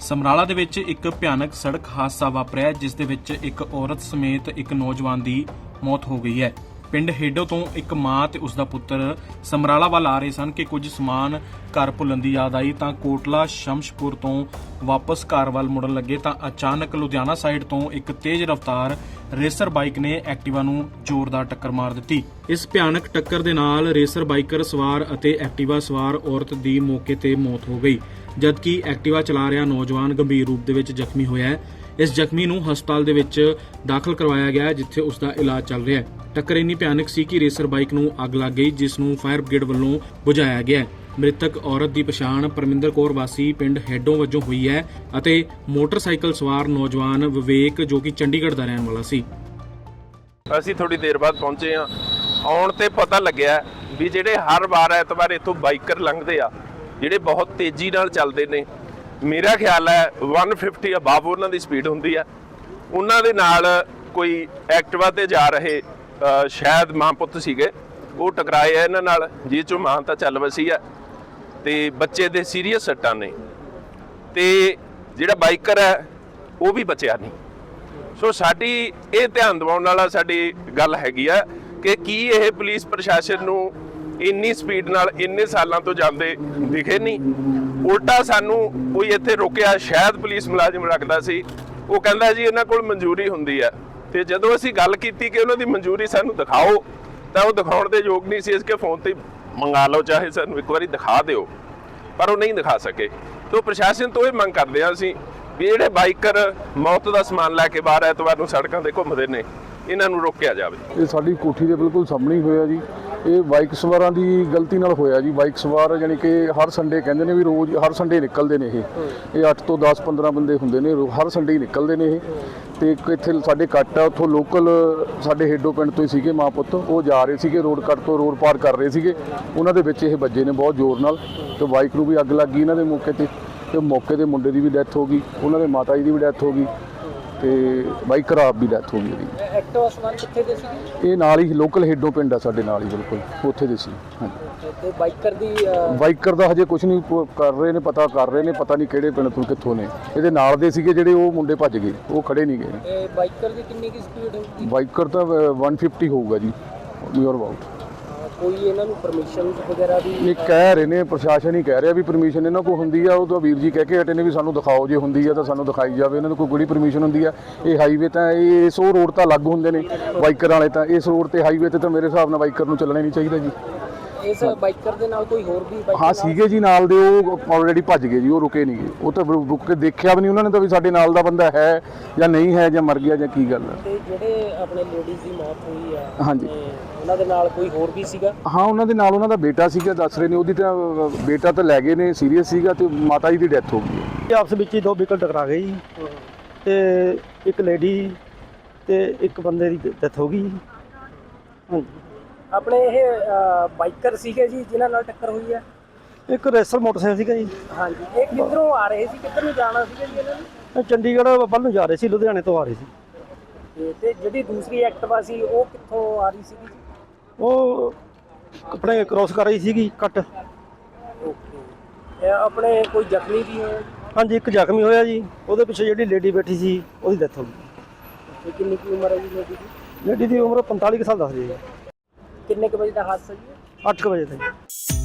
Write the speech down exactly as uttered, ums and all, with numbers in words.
ਸਮਰਾਲਾ ਦੇ ਵਿੱਚ ਇੱਕ ਭਿਆਨਕ ਸੜਕ ਹਾਦਸਾ ਵਾਪਰਿਆ ਜਿਸ ਦੇ ਵਿੱਚ ਇੱਕ ਔਰਤ ਸਮੇਤ ਇੱਕ ਨੌਜਵਾਨ ਦੀ ਮੌਤ ਹੋ ਗਈ ਹੈ। ਪਿੰਡ ਹੇਡੋ ਤੋਂ ਇੱਕ ਮਾਂ ਤੇ ਉਸ ਦਾ ਪੁੱਤਰ ਸਮਰਾਲਾ ਵੱਲ ਆ ਰਹੇ ਸਨ ਕਿ ਕੁਝ ਸਮਾਨ ਘਰ ਭੁੱਲਣ ਦੀ ਯਾਦ ਆਈ ਤਾਂ ਕੋਟਲਾ ਸ਼ਮਸ਼ਪੁਰ ਤੋਂ ਵਾਪਸ ਘਰ ਵੱਲ ਮੁੜਨ ਲੱਗੇ ਤਾਂ ਅਚਾਨਕ ਲੁਧਿਆਣਾ ਸਾਈਡ ਤੋਂ ਇੱਕ ਤੇਜ਼ ਰਫ਼ਤਾਰ ਰੇਸਰ ਬਾਈਕ ਨੇ ਐਕਟਿਵਾ ਨੂੰ ਜ਼ੋਰਦਾਰ ਟੱਕਰ ਮਾਰ ਦਿੱਤੀ। ਇਸ ਭਿਆਨਕ ਟੱਕਰ ਦੇ ਨਾਲ ਰੇਸਰ ਬਾਈਕਰ ਸਵਾਰ ਅਤੇ ਐਕਟਿਵਾ ਸਵਾਰ ਔਰਤ ਦੀ ਮੌਕੇ ਤੇ ਮੌਤ ਹੋ ਗਈ, ਜਦਕਿ ਐਕਟਿਵਾ ਚਲਾ ਰਿਹਾ ਨੌਜਵਾਨ ਗੰਭੀਰ ਰੂਪ ਦੇ ਵਿੱਚ ਜ਼ਖਮੀ ਹੋਇਆ ਹੈ। ਇਸ ਜ਼ਖਮੀ ਨੂੰ ਹਸਪਤਾਲ ਦੇ ਵਿੱਚ ਦਾਖਲ ਕਰਵਾਇਆ ਗਿਆ ਜਿੱਥੇ ਉਸ ਦਾ ਇਲਾਜ ਚੱਲ ਰਿਹਾ ਹੈ। ਟੱਕਰ ਇੰਨੀ ਭਿਆਨਕ ਸੀ ਕਿ ਰੇਸਰ ਬਾਈਕ ਨੂੰ ਅੱਗ ਲੱਗ ਗਈ ਜਿਸ ਨੂੰ ਫਾਇਰ ਬ੍ਰਿਗੇਡ ਵੱਲੋਂ ਬੁਝਾਇਆ ਗਿਆ। ਮ੍ਰਿਤਕ ਔਰਤ ਦੀ ਪਛਾਣ ਪਰਮਿੰਦਰ ਕੌਰ ਵਾਸੀ ਪਿੰਡ ਹੈਡੋਂ ਵਜੋਂ ਹੋਈ ਹੈ ਅਤੇ ਮੋਟਰਸਾਈਕਲ ਸਵਾਰ ਨੌਜਵਾਨ ਵਿਵੇਕ ਜੋ ਕਿ ਚੰਡੀਗੜ੍ਹ ਦਾ ਰਹਿਣ ਵਾਲਾ ਸੀ। ਅਸੀਂ ਥੋੜੀ ਦੇਰ ਬਾਅਦ ਪਹੁੰਚੇ ਹਾਂ। ਆਉਣ ਤੇ ਪਤਾ ਲੱਗਿਆ ਵੀ ਜਿਹੜੇ ਹਰ ਵਾਰ ਐਤਵਾਰ ਇੱਥੋਂ ਬਾਈਕਰ ਲੰਘਦੇ ਆ ਜਿਹੜੇ ਬਹੁਤ ਤੇਜ਼ੀ ਨਾਲ ਚੱਲਦੇ ਨੇ, ਮੇਰਾ ਖਿਆਲ ਹੈ ਇੱਕ ਸੌ ਪਚਾਸ ਅਬਾਵ ਉਹਨਾਂ ਦੀ ਸਪੀਡ ਹੁੰਦੀ ਹੈ। ਉਹਨਾਂ ਦੇ ਨਾਲ ਕੋਈ ਐਕਟਿਵਾ ਤੇ ਜਾ ਰਹੇ ਸ਼ਾਇਦ ਮਾਂ ਪੁੱਤ ਸੀਗੇ, ਉਹ ਟਕਰਾਏ ਆ ਇਹਨਾਂ ਨਾਲ, ਜਿਸ ਚੋਂ ਮਾਂ ਤਾਂ ਚੱਲ ਵਸੀ ਹੈ ਤੇ ਬੱਚੇ ਦੇ ਸੀਰੀਅਸ ਸੱਟਾਂ ਨੇ ਤੇ ਜਿਹੜਾ ਬਾਈਕਰ ਹੈ ਉਹ ਵੀ ਬਚਿਆ ਨਹੀਂ। ਸੋ ਸਾਡੀ ਇਹ ਧਿਆਨ ਦਿਵਾਉਣ ਵਾਲਾ ਸਾਡੀ ਗੱਲ ਹੈਗੀ ਆ ਕਿ ਕੀ ਇਹ ਪੁਲਿਸ ਪ੍ਰਸ਼ਾਸਨ ਨੂੰ ਇੰਨੀ ਸਪੀਡ ਨਾਲ ਇੰਨੇ ਸਾਲਾਂ ਤੋਂ ਜਾਂਦੇ ਦਿਖੇ ਨਹੀਂ। ਉਲਟਾ ਸਾਨੂੰ ਕੋਈ ਇੱਥੇ ਰੋਕਿਆ, ਸ਼ਾਇਦ ਪੁਲਿਸ ਮੁਲਾਜ਼ਮ ਰੱਖਦਾ ਸੀ, ਉਹ ਕਹਿੰਦਾ ਜੀ ਇਹਨਾਂ ਕੋਲ ਮਨਜ਼ੂਰੀ ਹੁੰਦੀ ਹੈ। ਤੇ ਜਦੋਂ ਅਸੀਂ ਗੱਲ ਕੀਤੀ ਕਿ ਉਹਨਾਂ ਦੀ ਮਨਜ਼ੂਰੀ ਸਾਨੂੰ ਦਿਖਾਓ ਤਾਂ ਉਹ ਦਿਖਾਉਣ ਦੇ ਯੋਗ ਨਹੀਂ ਸੀ। ਇਸ ਕੇ ਫੋਨ ਤੇ ਮੰਗਾ ਲਓ, ਚਾਹੇ ਸਾਨੂੰ ਇੱਕ ਵਾਰੀ ਦਿਖਾ ਦਿਓ, ਪਰ ਉਹ ਨਹੀਂ ਦਿਖਾ ਸਕੇ। ਤੋਂ ਪ੍ਰਸ਼ਾਸਨ ਤੋਂ ਇਹ ਮੰਗ ਕਰਦੇ ਹਾਂ ਅਸੀਂ ਵੀ ਜਿਹੜੇ ਬਾਈਕਰ ਮੌਤ ਦਾ ਸਮਾਨ ਲੈ ਕੇ ਬਾਹਰ ਐਤਵਾਰ ਨੂੰ ਸੜਕਾਂ ਤੇ ਘੁੰਮਦੇ ਨੇ ਇਹਨਾਂ ਨੂੰ ਰੋਕਿਆ ਜਾਵੇ। ਇਹ ਸਾਡੀ ਕੋਠੀ ਦੇ ਬਿਲਕੁਲ ਸਾਹਮਣੇ ਹੀ ਹੋਇਆ ਜੀ। ਇਹ ਬਾਈਕ ਸਵਾਰਾਂ ਦੀ ਗਲਤੀ ਨਾਲ ਹੋਇਆ ਜੀ। ਬਾਈਕ ਸਵਾਰ ਯਾਨੀ ਕਿ ਹਰ ਸੰਡੇ ਕਹਿੰਦੇ ਨੇ ਵੀ ਰੋਜ਼ ਹਰ ਸੰਡੇ ਨਿਕਲਦੇ ਨੇ। ਇਹ ਇਹ ਅੱਠ ਤੋਂ ਦਸ ਪੰਦਰਾਂ ਬੰਦੇ ਹੁੰਦੇ ਨੇ, ਹਰ ਸੰਡੇ ਹੀ ਨਿਕਲਦੇ ਨੇ ਇਹ। ਤੇ ਇੱਕ ਇੱਥੇ ਸਾਡੇ ਕੱਟ ਆ, ਉੱਥੋਂ ਲੋਕਲ ਸਾਡੇ ਹੇਡੋ ਪਿੰਡ ਤੋਂ ਹੀ ਸੀਗੇ ਮਾਂ ਪੁੱਤ, ਉਹ ਜਾ ਰਹੇ ਸੀਗੇ ਰੋਡ ਕੱਟ ਤੋਂ, ਰੋਡ ਪਾਰ ਕਰ ਰਹੇ ਸੀਗੇ, ਉਹਨਾਂ ਦੇ ਵਿੱਚ ਇਹ ਵੱਜੇ ਨੇ ਬਹੁਤ ਜ਼ੋਰ ਨਾਲ ਤੇ ਬਾਈਕ ਨੂੰ ਵੀ ਅੱਗ ਲੱਗ ਗਈ ਇਹਨਾਂ ਦੇ ਮੌਕੇ ਤੇ ਤੇ ਮੌਕੇ ਦੇ ਮੁੰਡੇ ਦੀ ਵੀ ਡੈਥ ਹੋ ਗਈ, ਉਹਨਾਂ ਦੇ ਮਾਤਾ ਜੀ ਦੀ ਵੀ ਡੈਥ ਹੋ ਗਈ ਤੇ ਬਾਈਕਰ ਆਪ ਵੀ ਡੈਥ ਹੋ ਗਈ ਇਹਦੀ। ਐਕਟਿਵਾ ਸਵਾਰ ਕਿੱਥੇ ਦੇ ਸੀ? ਇਹ ਨਾਲ ਹੀ ਲੋਕਲ ਹੇਡੋ ਪਿੰਡ ਆ ਸਾਡੇ ਨਾਲ ਹੀ, ਬਿਲਕੁਲ ਉੱਥੇ ਦੇ ਸੀ। ਹਾਂਜੀ। ਤੇ ਬਾਈਕਰ ਦੀ ਬਾਈਕਰ ਦਾ ਹਜੇ ਕੁਝ ਨਹੀਂ ਕਰ ਰਹੇ ਨੇ, ਪਤਾ ਕਰ ਰਹੇ ਨੇ, ਪਤਾ ਨਹੀਂ ਕਿਹੜੇ ਪਿੰਡ ਤੋਂ ਕਿੱਥੋਂ ਨੇ। ਇਹਦੇ ਨਾਲ ਦੇ ਸੀਗੇ ਜਿਹੜੇ, ਉਹ ਮੁੰਡੇ ਭੱਜ ਗਏ, ਉਹ ਖੜੇ ਨਹੀਂ ਗਏ। ਤੇ ਬਾਈਕਰ ਦੀ ਕਿੰਨੀ ਕੀ ਸਪੀਡ ਹੋਊਗੀ? ਬਾਈਕਰ ਤਾਂ ਇੱਕ ਸੌ ਪਚਾਸ ਹੋਊਗਾ ਜੀ, ਨੀਅਰ ਅਬਾਊਟ। ਕੋਈ ਇਹਨਾਂ ਨੂੰ ਪਰਮਿਸ਼ਨ ਵਗੈਰਾ ਵੀ ਇਹ ਕਹਿ ਰਹੇ ਨੇ, ਪ੍ਰਸ਼ਾਸਨ ਹੀ ਕਹਿ ਰਿਹਾ ਵੀ ਪਰਮਿਸ਼ਨ ਇਹਨਾਂ ਕੋਲ ਹੁੰਦੀ ਆ। ਉਹ ਤਾਂ ਵੀਰ ਜੀ ਕਹਿ ਕੇ ਹਟੇ ਨੇ ਵੀ ਸਾਨੂੰ ਦਿਖਾਓ, ਜੇ ਹੁੰਦੀ ਆ ਤਾਂ ਸਾਨੂੰ ਦਿਖਾਈ ਜਾਵੇ। ਇਹਨਾਂ ਨੂੰ ਕੋਈ ਕਿਹੜੀ ਪਰਮਿਸ਼ਨ ਹੁੰਦੀ ਆ? ਇਹ ਹਾਈਵੇ ਤਾਂ ਇਹ ਇਸ ਉਹ ਰੋਡ ਤਾਂ ਅਲੱਗ ਹੁੰਦੇ ਨੇ ਬਾਈਕਰ ਵਾਲੇ, ਤਾਂ ਇਸ ਰੋਡ ਤੇ ਹਾਈਵੇ ਤੇ ਤਾਂ ਮੇਰੇ ਹਿਸਾਬ ਨਾਲ ਬਾਈਕਰ ਨੂੰ ਚੱਲਣਾ ਨਹੀਂ ਚਾਹੀਦਾ ਜੀ। ਇਸ ਬਾਈਕਰ ਦੇ ਨਾਲ ਕੋਈ ਹੋਰ ਵੀ ਹਾਂ ਸੀਗੇ ਜੀ ਨਾਲ ਦੇ, ਉਹ ਆਲਰੇਡੀ ਭੱਜ ਗਏ ਜੀ, ਉਹ ਰੁਕੇ ਨਹੀਂ ਗਏ। ਉਹ ਤਾਂ ਰੁਕ ਕੇ ਦੇਖਿਆ ਵੀ ਨਹੀਂ ਉਹਨਾਂ ਨੇ ਤਾਂ ਵੀ ਸਾਡੇ ਨਾਲ ਦਾ ਬੰਦਾ ਹੈ ਜਾਂ ਨਹੀਂ ਹੈ, ਜਾਂ ਮਰ ਗਿਆ ਜਾਂ ਕੀ ਗੱਲ ਹੈ। ਤੇ ਜਿਹੜੇ ਆਪਣੇ ਲੇਡੀਜ਼ ਦੀ ਮੌਤ ਹੋਈ ਆ, ਹਾਂਜੀ, ਉਹਨਾਂ ਦੇ ਨਾਲ ਕੋਈ ਹੋਰ ਵੀ ਸੀਗਾ? ਹਾਂ ਉਹਨਾਂ ਦੇ ਨਾਲ ਉਹਨਾਂ ਦਾ ਬੇਟਾ ਸੀਗਾ, ਦੱਸ ਰਹੇ ਨੇ। ਉਹਦੀ ਤਾਂ ਬੇਟਾ ਤਾਂ ਲੈ ਗਏ ਨੇ, ਸੀਰੀਅਸ ਸੀਗਾ, ਤੇ ਮਾਤਾ ਜੀ ਦੀ ਡੈਥ ਹੋ ਗਈ। ਆਪਸ ਵਿੱਚ ਹੀ ਦੋ ਵਹੀਕਲ ਟਕਰਾ ਗਏ ਜੀ ਤੇ ਇੱਕ ਲੇਡੀ ਤੇ ਇੱਕ ਬੰਦੇ ਦੀ ਡੈਥ ਹੋ ਗਈ। ਹਾਂਜੀ। ਆਪਣੇ ਇਹ ਬਾਈਕਰ ਸੀਗੇ ਜੀ ਜਿਨ੍ਹਾਂ ਨਾਲ ਟੱਕਰ ਹੋਈ ਹੈ? ਇੱਕ ਰੇਸਰ ਮੋਟਰਸਾਈਕਲ ਸੀਗਾ ਜੀ। ਹਾਂਜੀ। ਇਹ ਕਿੱਧਰੋਂ ਆ ਰਹੇ ਸੀ, ਕਿੱਧਰ ਨੂੰ ਜਾਣਾ ਸੀਗਾ ਜੀ ਇਹਨਾਂ ਨੇ? ਚੰਡੀਗੜ੍ਹ ਵੱਲ ਨੂੰ ਜਾ ਰਹੇ ਸੀ, ਲੁਧਿਆਣੇ ਤੋਂ ਆ ਰਹੇ ਸੀ। ਤੇ ਜਿਹੜੀ ਦੂਸਰੀ ਐਕਟਿਵਾ ਸੀ ਉਹ ਕਿੱਥੋਂ ਆ ਰਹੀ ਸੀਗੀ ਜੀ? ਉਹ ਆਪਣੇ ਕ੍ਰੋਸ ਕਰ ਰਹੀ ਸੀਗੀ ਕੱਟ। ਓਕੇ। ਆਪਣੇ ਕੋਈ ਜ਼ਖਮੀ ਵੀ ਹੋਇਆ? ਹਾਂਜੀ, ਇੱਕ ਜ਼ਖਮੀ ਹੋਇਆ ਜੀ। ਉਹਦੇ ਪਿੱਛੇ ਜਿਹੜੀ ਲੇਡੀ ਬੈਠੀ ਸੀ ਉਹਦੀ ਡੈਥ ਹੋ ਗਈ। ਕਿੰਨੀ ਕੀ ਉਮਰ ਹੈ ਜੀ ਲੇਡੀ ਦੀ? ਲੇਡੀ ਦੀ ਉਮਰ ਪੰਤਾਲੀ ਕੁ ਸਾਲ ਦੱਸਦੀ ਹੈ। ਕਿੰਨੇ ਕੁ ਵਜੇ ਦਾ ਹਾਦਸਾ ਜੀ? ਅੱਠ ਕੁ ਵਜੇ ਤੱਕ।